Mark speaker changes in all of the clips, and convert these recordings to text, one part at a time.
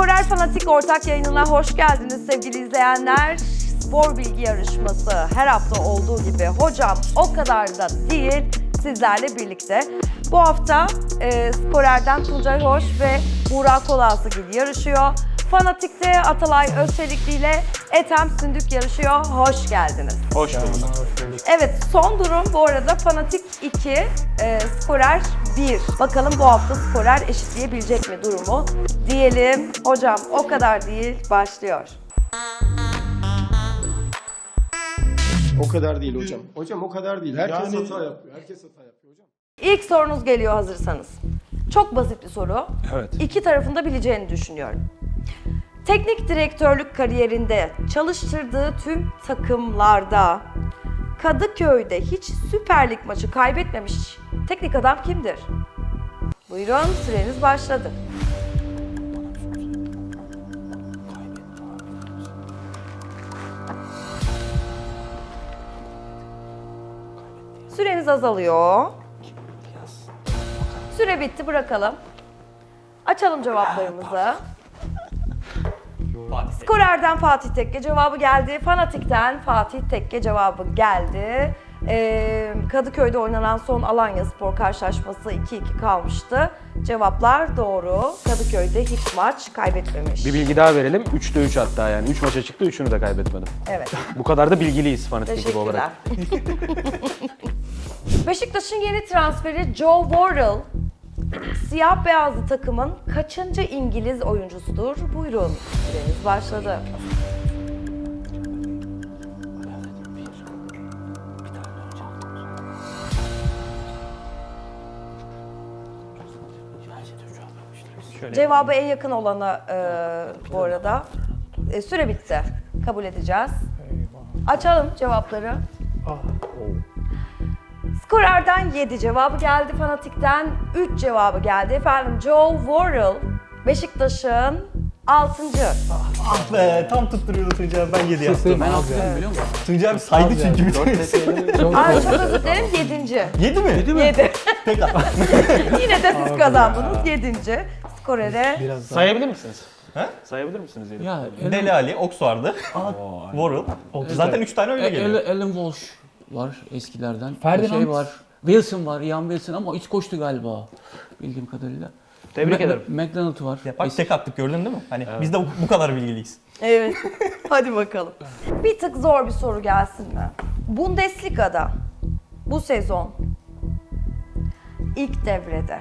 Speaker 1: Skorer Fanatik ortak yayınına hoş geldiniz sevgili izleyenler. Spor bilgi yarışması her hafta olduğu gibi hocam o kadar da değil sizlerle birlikte. Bu hafta Skorer'den Tuncay Hoş ve Burak Kolasıgil yarışıyor. Fanatik'te Atalay Özçelikli ile Ethem Sündük yarışıyor. Hoş geldiniz.
Speaker 2: Hoş bulduk.
Speaker 1: Evet, son durum bu arada Fanatik 2, Skorer 1. Bakalım bu hafta Skorer eşitleyebilecek mi durumu diyelim. Hocam o kadar değil, başlıyor.
Speaker 3: O kadar değil hocam. Hocam o kadar değil. Herkes hata yapıyor. Herkes hata yapıyor hocam.
Speaker 1: İlk sorunuz geliyor hazırsanız. Çok basit bir soru.
Speaker 2: Evet.
Speaker 1: İki tarafın da bileceğini düşünüyorum. Teknik direktörlük kariyerinde çalıştırdığı tüm takımlarda Kadıköy'de hiç Süper Lig maçı kaybetmemiş teknik adam kimdir? Buyurun, süreniz başladı. Süreniz azalıyor. Süre bitti, bırakalım. Açalım cevaplarımızı. Skorer'den Fatih Tekke cevabı geldi. Fanatik'ten Fatih Tekke cevabı geldi. Kadıköy'de oynanan son Alanyaspor karşılaşması 2-2 kalmıştı. Cevaplar doğru. Kadıköy'de hiç maç kaybetmemiş.
Speaker 2: Bir bilgi daha verelim. 3'te 3 hatta yani. 3 maça çıktı, 3'ünü de kaybetmedim.
Speaker 1: Evet.
Speaker 2: Bu kadar da bilgiliyiz fanatik gibi
Speaker 1: Teşekkürler.
Speaker 2: olarak.
Speaker 1: Beşiktaş'ın yeni transferi Joe Worrall, siyah beyazlı takımın kaçıncı İngiliz oyuncusudur? Buyurun, süreniz başladı. Cevabı en yakın olana bu arada. Süre bitti. Kabul edeceğiz. Açalım cevapları. Skorer'den 7 cevabı geldi. Fanatik'ten 3 cevabı geldi. Efendim Joe Worrall, Beşiktaş'ın 6.
Speaker 4: Ah be, tam tutturuyordu Tuncay abi, ben 7 yaptım.
Speaker 5: Ben hatırlıyorum biliyor musun?
Speaker 4: Tuncay abi saydı çünkü bir tanesi.
Speaker 1: Ay çok özür dilerim 7.
Speaker 4: 7 mi?
Speaker 1: 7.
Speaker 4: Peki.
Speaker 1: Yine de siz kazandınız 7. Skorer'e.
Speaker 2: Sayabilir misiniz?
Speaker 4: He?
Speaker 2: Sayabilir misiniz? Yedi?
Speaker 5: Ya
Speaker 4: Deli Ali, Ox vardı. Worrell. Zaten 3 tane öyle geliyor.
Speaker 5: Alan Walsh var eskilerden.
Speaker 6: Ferdinand.
Speaker 5: Şey var. Wilson var, Ian Wilson ama hiç koştu galiba bildiğim kadarıyla.
Speaker 2: Tebrik ederim.
Speaker 5: McDonald var.
Speaker 4: Ya bak tek attık, gördün değil mi? Hani biz de bu kadar bilgiliyiz.
Speaker 1: Evet. Hadi bakalım. Bir tık zor bir soru gelsin mi? Bundesliga'da bu sezon ilk devrede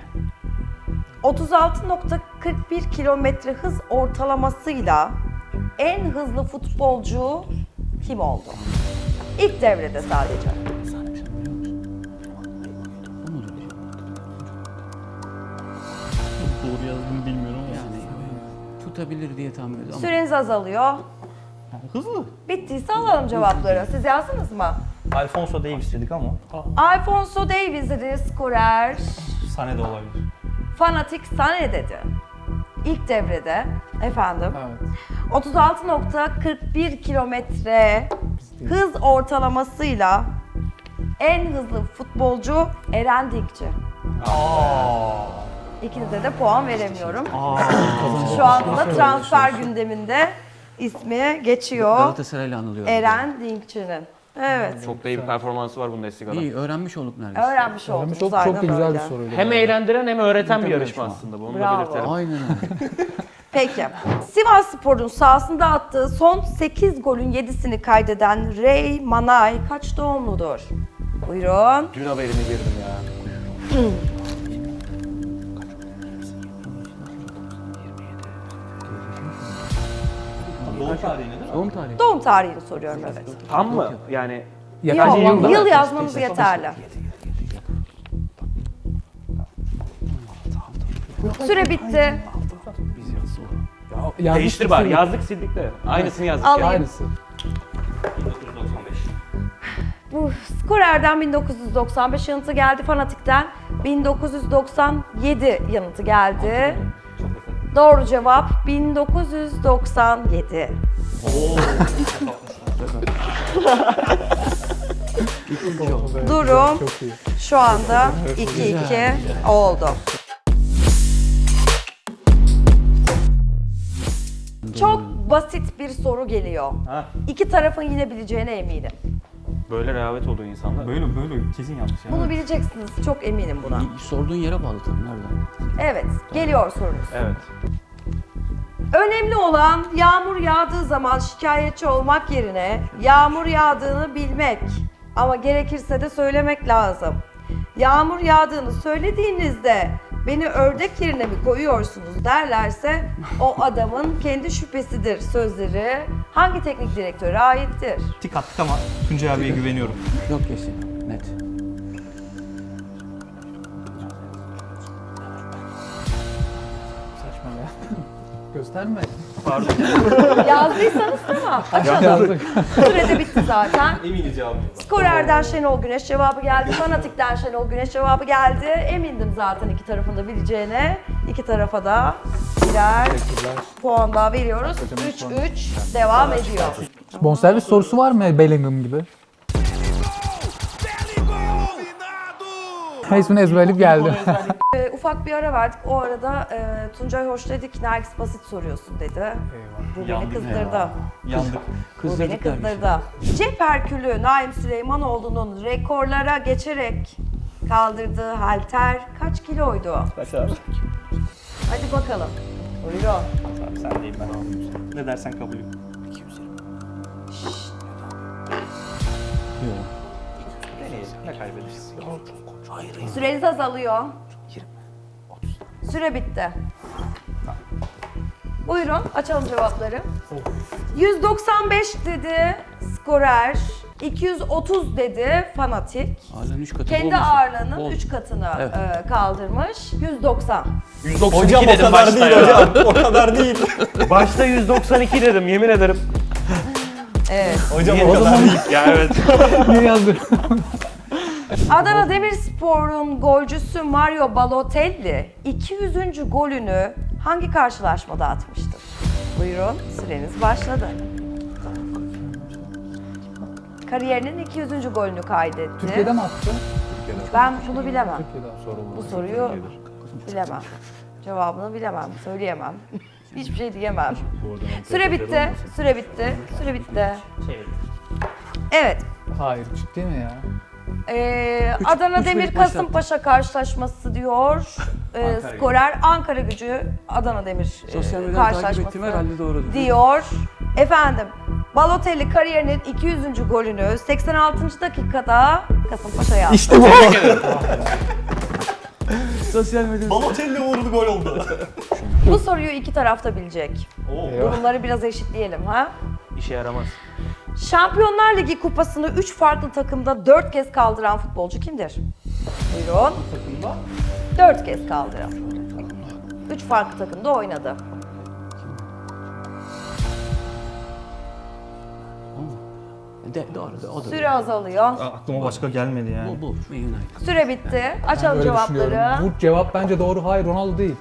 Speaker 1: 36.41 kilometre hız ortalamasıyla en hızlı futbolcu kim oldu? İlk devrede sadece.
Speaker 4: Doğru yazdım bilmiyorum ama.
Speaker 5: Yani tutabilir diye tahmin ediyorum. Ama
Speaker 1: Süreniz azalıyor.
Speaker 4: Hızlı.
Speaker 1: Bittiyse alalım cevapları. Siz yazdınız mı?
Speaker 4: Alfonso Davies dedik ama
Speaker 1: Alfonso Davies'di skorer.
Speaker 4: Sané de olabilir.
Speaker 1: Fanatik Sané dedi. İlk devrede efendim.
Speaker 6: Evet.
Speaker 1: 36.41 kilometre hız ortalamasıyla en hızlı futbolcu Eren Dinkçi. İkinize de puan veremiyorum. Şu anda da transfer gündeminde ismi geçiyor
Speaker 5: Galatasaray'la anılıyor.
Speaker 1: Eren Dinkçi'nin. Evet.
Speaker 2: Çok da iyi bir performansı var Bundesliga'da.
Speaker 5: İyi, öğrenmiş olduk neredeyse.
Speaker 1: Öğrenmiş oldunuz.
Speaker 6: Çok
Speaker 1: aynen
Speaker 6: çok da güzel
Speaker 1: öyle.
Speaker 6: bir soruydu.
Speaker 2: Hem eğlendiren hem öğreten bir
Speaker 5: Tabii
Speaker 2: yarışma
Speaker 5: yarışma.
Speaker 2: aslında. Bunu
Speaker 1: Bravo.
Speaker 2: da belirtelim.
Speaker 5: Aynen öyle.
Speaker 1: Peki. Sivasspor'un sahasında attığı son 8 golün 7'sini kaydeden Ray Manay kaç doğumludur? Buyurun.
Speaker 2: Dün haberini girdim ya.
Speaker 4: Doğum tarihi nedir?
Speaker 5: Doğum tarihi.
Speaker 1: Doğum tarihini soruyorum evet.
Speaker 2: Tam mı? Yani
Speaker 1: Yok, yıl yazmamız yeterli. Süre bitti.
Speaker 2: değiştir bari. Yazdık sildik de. Aynısını yazdık.
Speaker 1: Alayım.
Speaker 2: Yani.
Speaker 6: Aynısı.
Speaker 4: 1995.
Speaker 1: Bu Skorer'den 1995 yanıtı geldi. Fanatik'ten 1997 yanıtı geldi. Doğru cevap 1997. Durum
Speaker 6: Çok iyi.
Speaker 1: şu anda 2-2 oldu. basit bir soru geliyor.
Speaker 2: Ha.
Speaker 1: İki tarafın yine bileceğine eminim.
Speaker 2: Böyle rehavet olduğu insanlar.
Speaker 4: Böyle kesin yanlış ya.
Speaker 1: Bunu bileceksiniz. Çok eminim buna.
Speaker 5: Sorduğun yere bağlı tabii, nereden?
Speaker 1: Evet, geliyor sorunuz.
Speaker 2: Evet.
Speaker 1: Önemli olan yağmur yağdığı zaman şikayetçi olmak yerine yağmur yağdığını bilmek. Ama gerekirse de söylemek lazım. Yağmur yağdığını söylediğinizde beni ördek yerine mi koyuyorsunuz derlerse o adamın kendi şüphesidir sözleri hangi teknik direktöre aittir?
Speaker 4: Tik attık ama Tuncay abiye güveniyorum.
Speaker 5: Yok kesin, net.
Speaker 6: Saçma ya. Gösterme.
Speaker 1: Yazdıysanız tamam. Açalım.
Speaker 6: Yazdık.
Speaker 1: Sürede bitti zaten.
Speaker 4: Eminiz cevabımız.
Speaker 1: Skorer'den Şenol Güneş cevabı geldi. Fanatik'ten Şenol Güneş cevabı geldi. Emindim zaten iki tarafın da bileceğine. İki tarafa da birer puan daha veriyoruz. 3-3 devam ediyor.
Speaker 6: Bonservis sorusu var mı Bellingham gibi? İsmini ezberleyip geldi.
Speaker 1: Ufak bir ara verdik. O arada Tuncay Hoş dedi ki Nergis basit soruyorsun dedi. Bu beni
Speaker 4: Yandık
Speaker 1: kızdırdı.
Speaker 4: Yandık.
Speaker 1: Bu beni
Speaker 5: Kızdırdık dermiş.
Speaker 1: kızdırdı. Cep Herkülü Naim Süleymanoğlu'nun rekorlara geçerek kaldırdığı halter kaç kiloydu?
Speaker 4: Kaç abi?
Speaker 1: Hadi bakalım. Buyurun.
Speaker 4: Abi sen değil ben. Ne dersen kabulüm.
Speaker 5: 220.
Speaker 4: Deneyelim. Ne kaybederiz?
Speaker 1: Süreniz azalıyor. Süre bitti. Buyurun açalım cevapları. 195 dedi Skorer, 230 dedi Fanatik.
Speaker 5: Ağırlığın 3 katı
Speaker 1: Kendi
Speaker 5: olmasın.
Speaker 1: ağırlığının
Speaker 5: Bol.
Speaker 1: 3 katını
Speaker 5: Evet.
Speaker 1: kaldırmış. 190.
Speaker 2: 192
Speaker 4: Hocam o
Speaker 2: dedim
Speaker 4: kadar
Speaker 2: başta
Speaker 4: değil
Speaker 2: ya.
Speaker 4: hocam. O kadar değil.
Speaker 2: Başta 192 dedim yemin ederim.
Speaker 1: Evet.
Speaker 4: Hocam o kadar değil.
Speaker 2: Ya evet.
Speaker 6: Niye yazdın?
Speaker 1: Adana Demirspor'un golcüsü Mario Balotelli 200. golünü hangi karşılaşmada atmıştır? Buyurun, süreniz başladı. Kariyerinin 200. golünü kaydetti.
Speaker 6: Türkiye'de mi attı?
Speaker 1: Ben bunu bilemem.
Speaker 6: Türkiye'de.
Speaker 1: Bu soruyu bilemem. Cevabını bilemem, söyleyemem. Hiçbir şey diyemem. Süre bitti, süre bitti, süre bitti. Evet.
Speaker 6: Hayır, ciddi mi ya?
Speaker 1: Adana
Speaker 5: üç
Speaker 1: Demir
Speaker 5: birlik maç
Speaker 1: Kasımpaşa karşılaşması diyor. Skorer Ankara Gücü Adana Demir
Speaker 5: Sosyal medyadan takip
Speaker 1: karşılaşması
Speaker 5: ettiğim herhalde doğrudur.
Speaker 1: diyor. Efendim Balotelli kariyerinin 200. golünü 86. dakikada Kasımpaşa'ya attı.
Speaker 4: İşte bu.
Speaker 5: Sosyal medyada.
Speaker 4: Balotelli uğurlu gol oldu.
Speaker 1: Bu soruyu iki tarafta bilecek.
Speaker 4: Oo.
Speaker 1: Durumları biraz eşitleyelim ha.
Speaker 2: İşe yaramaz.
Speaker 1: Şampiyonlar Ligi kupasını 3 farklı takımda 4 kez kaldıran futbolcu kimdir? Buyurun. 4 kez kaldıran. 3 farklı takımda oynadı.
Speaker 5: Doğru, o da.
Speaker 1: Süre azalıyor.
Speaker 4: Aklıma başka gelmedi yani.
Speaker 5: Bu. Man United.
Speaker 1: Süre bitti. Açalım
Speaker 6: Öyle düşünüyorum.
Speaker 1: cevapları.
Speaker 6: Bu cevap bence doğru. Hayır, Ronaldo değil.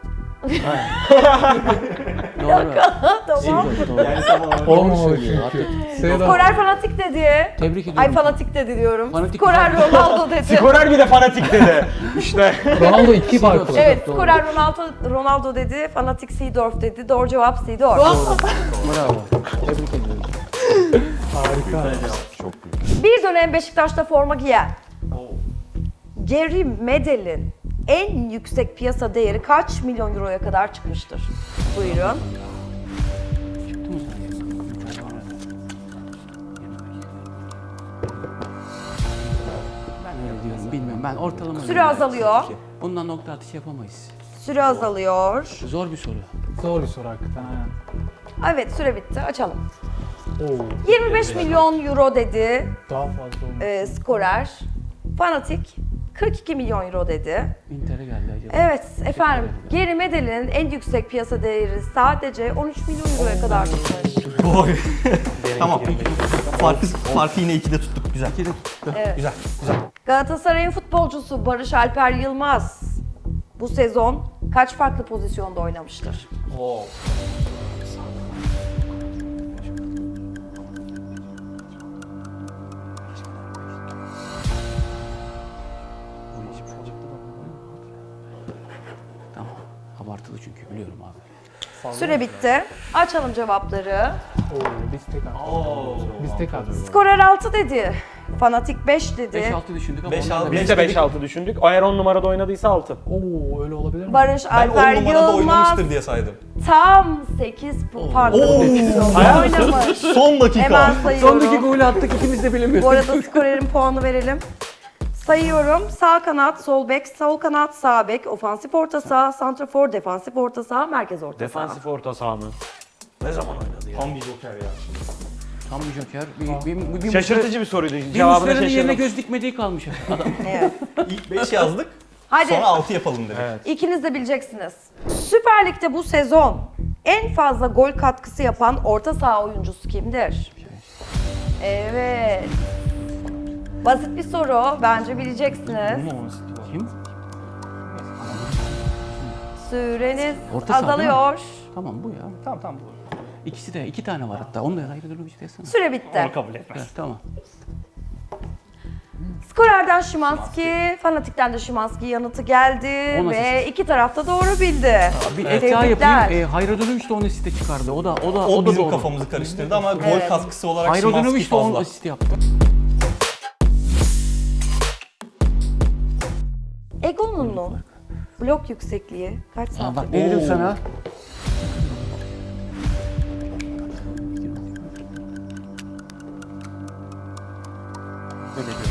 Speaker 5: Doğru.
Speaker 1: Tamam.
Speaker 5: Doğru.
Speaker 6: Olmamalı çünkü. Sırada
Speaker 1: Skorer fanatik dedi.
Speaker 5: Tebrik ediyorum.
Speaker 1: Ay fanatik dedi diyorum.
Speaker 5: Fanatik
Speaker 1: Skorer
Speaker 5: güzel.
Speaker 1: Ronaldo dedi.
Speaker 2: Skorer bir de fanatik dedi. İşte.
Speaker 6: Ronaldo 2 farklı.
Speaker 1: Evet,
Speaker 5: Doğru.
Speaker 1: skorer Ronaldo dedi. Fanatik Seedorf dedi. Doğru cevap Seedorf.
Speaker 5: Bravo. Tebrik ediyorum.
Speaker 6: Harika.
Speaker 1: Bir dönem Beşiktaş'ta forma giyen Gary Medel'in en yüksek piyasa değeri kaç milyon euroya kadar çıkmıştır? Buyurun.
Speaker 5: Çıktı mı sen? Ben öyle diyorum. Bilmiyorum. Ben ortalama.
Speaker 1: Süre
Speaker 5: diyorum.
Speaker 1: azalıyor.
Speaker 5: Bundan nokta atışı yapamayız.
Speaker 1: Süre azalıyor.
Speaker 5: Zor bir soru.
Speaker 6: Zor bir soru hakikaten. Aynen.
Speaker 1: Evet, süre bitti. Açalım.
Speaker 6: Oo,
Speaker 1: 25 milyon euro dedi
Speaker 6: daha fazla olmuş.
Speaker 1: skorer. Fanatik 42 milyon euro dedi.
Speaker 5: Inter'e geldi acaba.
Speaker 1: Evet efendim, Gary Medel'in en yüksek piyasa değeri sadece 13 milyon euroya kadar çıkmış.
Speaker 4: Oy. Tamam. Farkı yine 2'de tuttuk. Güzel.
Speaker 1: Evet.
Speaker 4: Güzel. Güzel.
Speaker 1: Galatasaray'ın futbolcusu Barış Alper Yılmaz bu sezon kaç farklı pozisyonda oynamıştır?
Speaker 5: Tamam. Abartılı çünkü biliyorum abi.
Speaker 1: Süre bitti. Açalım cevapları.
Speaker 6: Oo, biz tek attık. Biz tek attık.
Speaker 1: Skorer 6 dedi. Fanatik 5 dedi.
Speaker 5: 5-6 düşündük ama
Speaker 4: 5-6
Speaker 5: onlar da
Speaker 2: Biz de 5-6 düşündük. Eğer 10 numarada oynadıysa 6.
Speaker 6: Oo, öyle olabilir mi?
Speaker 1: Barış
Speaker 4: Ben 10
Speaker 1: Alper
Speaker 4: numarada
Speaker 1: Yılmaz
Speaker 4: oynamıştır diye saydım.
Speaker 1: tam 8 farklı pozisyonda oynamış.
Speaker 4: Son dakika.
Speaker 1: Hemen
Speaker 5: Son
Speaker 1: sayıyorum.
Speaker 5: dakika golü attık ikimiz de bilemiyoruz.
Speaker 1: Bu arada skorerin puanı verelim. Sayıyorum. Sağ kanat, sol bek, sol kanat, sağ bek, ofansif orta saha, santrafor, defansif orta saha, merkez orta saha.
Speaker 2: Defansif orta saha mı? Ne zaman oynadı ya?
Speaker 4: Tam bir joker ya.
Speaker 5: Tam bir joker. Bir
Speaker 2: Şaşırtıcı bir soruydu.
Speaker 5: Bir
Speaker 2: Cevabına
Speaker 5: Muslera'nın yerine
Speaker 2: şaşırdım.
Speaker 5: göz dikmediği kalmış adam.
Speaker 1: Evet.
Speaker 4: İlk 5 yazdık.
Speaker 1: Hadi.
Speaker 4: Sonra 6 yapalım dedik.
Speaker 1: İkiniz de bileceksiniz. Süper Lig'de bu sezon en fazla gol katkısı yapan orta saha oyuncusu kimdir? Evet. Basit bir soru. Bence bileceksiniz.
Speaker 5: Kim?
Speaker 1: Süreniz
Speaker 5: Orta saha değil mi?
Speaker 1: azalıyor.
Speaker 5: Tamam bu ya.
Speaker 4: Tamam bu.
Speaker 5: İkisi de 2 tane var hatta. Onu da ayrı durum işte desene.
Speaker 1: Süre bitti.
Speaker 4: Onu kabul etmez.
Speaker 5: Evet, tamam.
Speaker 1: Skorer'den Szymanski, Fanatik'ten de Szymanski yanıtı geldi
Speaker 5: On
Speaker 1: ve
Speaker 5: asist.
Speaker 1: iki tarafta doğru bildi.
Speaker 5: Bir et daha yapayım. Hayradinovic de 10 asiste çıkardı. O da
Speaker 4: O bizim
Speaker 5: doğru.
Speaker 4: kafamızı karıştırdı ama gol
Speaker 1: Evet.
Speaker 4: katkısı olarak
Speaker 5: Hayradinovic
Speaker 4: Szymanski
Speaker 5: de 10
Speaker 4: fazla.
Speaker 5: asist yaptı.
Speaker 1: Egon'un blok yüksekliği kaç
Speaker 5: Bak
Speaker 1: santim?
Speaker 5: ne dedim sana? Böyle diyor.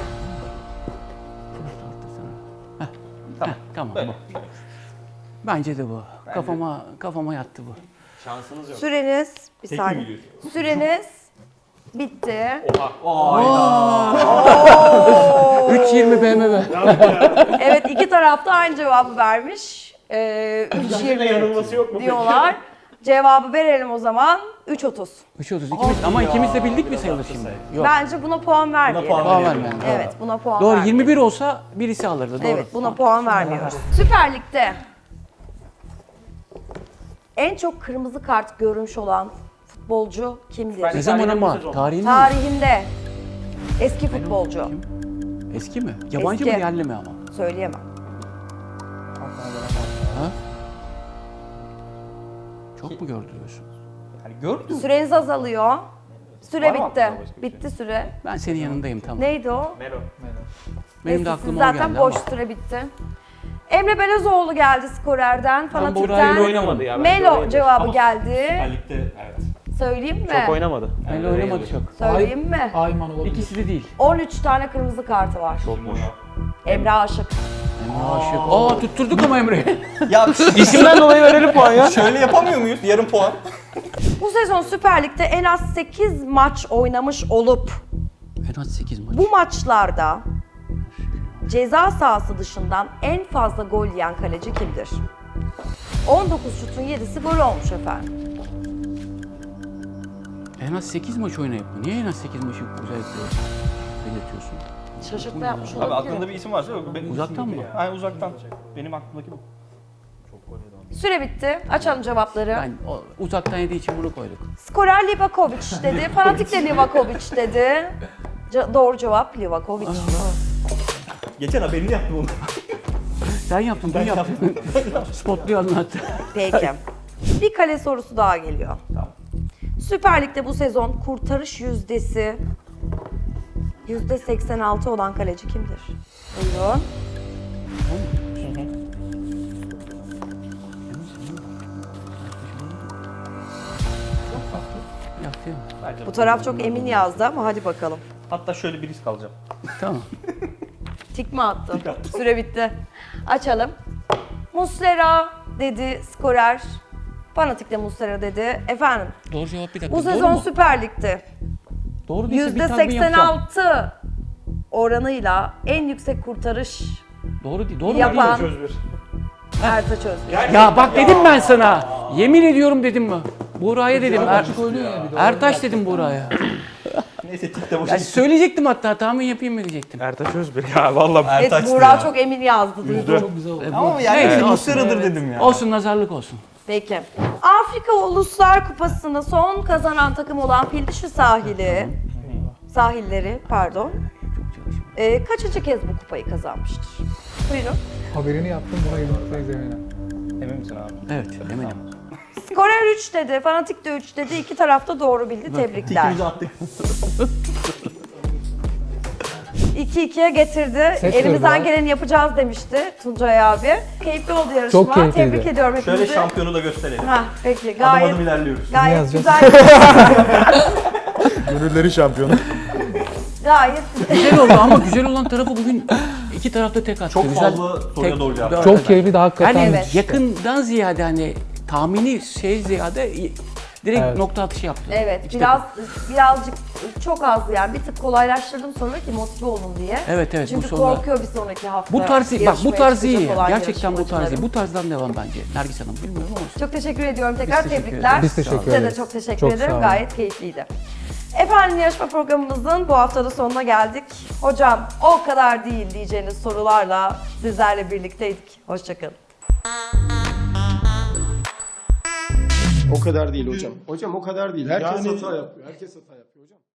Speaker 5: Tamam. Tamam bu. Bence de bu. Kafama yattı bu.
Speaker 2: Şansınız yok.
Speaker 1: Süreniz bir
Speaker 4: Tek mi
Speaker 1: saniye.
Speaker 4: biliyorsun?
Speaker 1: Süreniz bitti.
Speaker 5: 3.20 BMW.
Speaker 1: Evet iki tarafta aynı cevabı vermiş. 3.20
Speaker 2: Yanılması yok mu?
Speaker 1: diyorlar. Cevabı verelim o zaman. 3.30.
Speaker 5: 3.30 ikimiz ama ikimiz de bildik mi sayılır şimdi? Yok.
Speaker 1: Bence buna puan vermeyelim.
Speaker 4: puan
Speaker 5: Puan
Speaker 4: verelim.
Speaker 5: vermeyelim.
Speaker 1: Evet buna puan
Speaker 5: Doğru
Speaker 1: vermeyelim.
Speaker 5: 21 olsa birisi alırdı. Doğru.
Speaker 1: Evet buna puan vermiyoruz. Süper Lig'de en çok kırmızı kart görmüş olan futbolcu kimdir?
Speaker 5: Ne zaman ama? Tarihinde mi?
Speaker 1: Tarihinde eski futbolcu.
Speaker 5: Kim? Eski mi? Yabancı
Speaker 1: Eski.
Speaker 5: mı yerli mi ama?
Speaker 1: Söyleyemem.
Speaker 5: Ha? Çok mu gördü diyorsun?
Speaker 4: Yani gördün mü?
Speaker 1: Süreniz azalıyor. Süre
Speaker 4: Var mı
Speaker 1: bitti.
Speaker 4: aklında başka bir
Speaker 1: Bitti süre.
Speaker 5: Ben senin yanındayım tamam.
Speaker 1: Neydi o?
Speaker 2: Melo.
Speaker 5: Benim de
Speaker 1: Neyse,
Speaker 5: aklıma
Speaker 1: siz
Speaker 5: o
Speaker 1: zaten
Speaker 5: geldi
Speaker 1: boş
Speaker 5: ama.
Speaker 1: süre bitti. Emre Belezoğlu geldi skorerden.
Speaker 5: Bora'yla
Speaker 1: Fanatik'ten
Speaker 2: Oynamadı ya. bence
Speaker 1: Melo
Speaker 2: oynadı.
Speaker 1: cevabı
Speaker 4: Ama
Speaker 1: geldi.
Speaker 4: Süper Lig'de evet.
Speaker 1: Söyleyeyim mi?
Speaker 2: Çok oynamadı.
Speaker 5: Öyle oynamadı çok.
Speaker 1: Söyleyeyim mi?
Speaker 6: Ayman olabilir.
Speaker 5: İkisi de değil.
Speaker 1: 13 tane kırmızı kartı var.
Speaker 2: Çokmuş.
Speaker 1: Emre Aşık.
Speaker 5: Emre Aşık. Aa tutturduk ama Emre'yi.
Speaker 4: Ya
Speaker 2: İsimden dolayı verelim puan ya.
Speaker 4: şöyle yapamıyor muyuz? Yarım puan.
Speaker 1: Bu sezon Süper Lig'de en az 8 maç oynamış olup
Speaker 5: En az 8 maç.
Speaker 1: bu maçlarda ceza sahası dışından en fazla gol yiyen kaleci kimdir? 19 şutun 7'si gol olmuş efendim.
Speaker 5: En az 8 maç oynayıp mı? Niye en az 8 maçı özellikle belirtiyorsun?
Speaker 1: Şaşırtma yapmış
Speaker 4: Abi
Speaker 1: olabilir.
Speaker 4: aklında bir isim varsa yok.
Speaker 5: Uzaktan mı?
Speaker 4: Hayır uzaktan. Benim aklımdaki bu.
Speaker 1: Süre bitti. Açalım cevapları.
Speaker 5: Ben uzaktan yediği için bunu koyduk.
Speaker 1: Skorer Livakovic dedi. Fanatik de Livakovic dedi. Doğru cevap Livakovic.
Speaker 4: Geçen haberini yaptım onu.
Speaker 5: Sen yaptın, ben yaptın. Spotluyor anlattı.
Speaker 1: Peki. Bir kale sorusu daha geliyor. Süper Lig'de bu sezon kurtarış yüzdesi %86 olan kaleci kimdir? Buyurun.
Speaker 5: Yaptı ya.
Speaker 1: Bu taraf çok emin yazdı ama hadi bakalım.
Speaker 4: Hatta şöyle bir risk alacağım.
Speaker 5: Tamam.
Speaker 1: Tik mi attın? Süre bitti. Açalım. Muslera dedi skorer. Fanatik de Muslera dedi. Efendim
Speaker 5: Doğru cevap bir dakika.
Speaker 1: bu
Speaker 5: Doğru
Speaker 1: sezon
Speaker 5: mu?
Speaker 1: Süper Lig'de
Speaker 5: Doğru değilse bir tahmin yapacağım.
Speaker 1: %86 oranıyla en yüksek kurtarış
Speaker 5: Doğru değil. Doğru
Speaker 1: yapan
Speaker 5: değil.
Speaker 1: Ertaç Özgür.
Speaker 5: Ya bak dedim ben sana. Yemin ediyorum dedim mi? Buğra'ya dedim. Ertaş dedim Buğra'ya.
Speaker 4: Neyse tikte boşa
Speaker 5: Ya söyleyecektim hatta tahmin yapayım mı diyecektim.
Speaker 2: Ertaç Özbir ya vallahi.
Speaker 1: Evet
Speaker 4: Ertaç'tı
Speaker 1: Buğra
Speaker 4: ya.
Speaker 1: çok emin yazdı. Duydum.
Speaker 6: Çok güzel oldu.
Speaker 4: Ama yani
Speaker 5: Neyse,
Speaker 4: Neyse,
Speaker 5: olsun.
Speaker 4: Muslera'dır dedim ya.
Speaker 5: Olsun nazarlık olsun.
Speaker 1: Peki. Afrika Uluslar Kupası'nı son kazanan takım olan Fildişi sahilleri pardon.
Speaker 5: Çok çalışma.
Speaker 1: Kaçıncı kez bu kupayı kazanmıştır? Buyurun.
Speaker 6: Haberini yaptım buna yumurtayız eminim.
Speaker 4: Emin misin abi?
Speaker 5: Evet eminim.
Speaker 1: Skorer 3 dedi, Fanatik de 3 dedi. İki tarafta doğru bildi. Tebrikler.
Speaker 4: İkimizi attık.
Speaker 1: 2-2'ye getirdi.
Speaker 6: Ses
Speaker 1: Elimizden
Speaker 6: verdi.
Speaker 1: geleni yapacağız demişti Tuncay abi. Keyifli oldu yarışma.
Speaker 6: Çok keyifliydi.
Speaker 1: Tebrik ediyorum
Speaker 4: Şöyle
Speaker 1: hepinizi.
Speaker 4: şampiyonu da gösterelim.
Speaker 1: Hah, peki
Speaker 4: Adım
Speaker 1: gayet
Speaker 4: adım ilerliyoruz.
Speaker 1: gayet
Speaker 6: yazacağız?
Speaker 1: güzel.
Speaker 2: Gönülleri şampiyonu.
Speaker 1: Gayet
Speaker 5: Güzel oldu ama güzel olan tarafı bugün iki tarafta tek attı.
Speaker 4: Çok
Speaker 5: Güzel.
Speaker 4: fazla soruya doğru cevap.
Speaker 5: Dört
Speaker 6: Çok
Speaker 5: atar.
Speaker 6: keyifli de hakikaten.
Speaker 5: Yani
Speaker 1: Evet.
Speaker 5: yakından ziyade hani tahmini ziyade direkt
Speaker 6: Evet.
Speaker 5: nokta atışı yaptı.
Speaker 1: evet
Speaker 5: İki
Speaker 1: birazcık çok az yani bir tık kolaylaştırdım sonra ki motive olun diye.
Speaker 5: Evet, evet,
Speaker 1: Çünkü
Speaker 5: bu sonra-
Speaker 1: korkuyor bir sonraki hafta.
Speaker 5: Bu tarz bak bu
Speaker 1: yarışmaya
Speaker 5: tarz iyi.
Speaker 1: çıkacak olan
Speaker 5: Gerçekten bu tarz iyi.
Speaker 1: yarışmacıların.
Speaker 5: Bu tarzdan devam bence. Nergis Hanım bilmiyorum ama.
Speaker 1: Çok teşekkür ediyorum tekrar
Speaker 5: teşekkür
Speaker 1: tebrikler.
Speaker 5: ederiz.
Speaker 6: Biz teşekkür
Speaker 1: Size de
Speaker 6: ederiz.
Speaker 1: çok teşekkür
Speaker 6: Çok
Speaker 1: ederim.
Speaker 6: sağ olun.
Speaker 1: Gayet keyifliydi. Efendim yarışma programımızın bu haftada sonuna geldik. Hocam o kadar değil diyeceğiniz sorularla sizlerle birlikteydik. Hoşçakalın.
Speaker 3: O kadar değil hocam. Hocam o kadar değil. Herkes hata yapıyor. Herkes hata yapıyor hocam.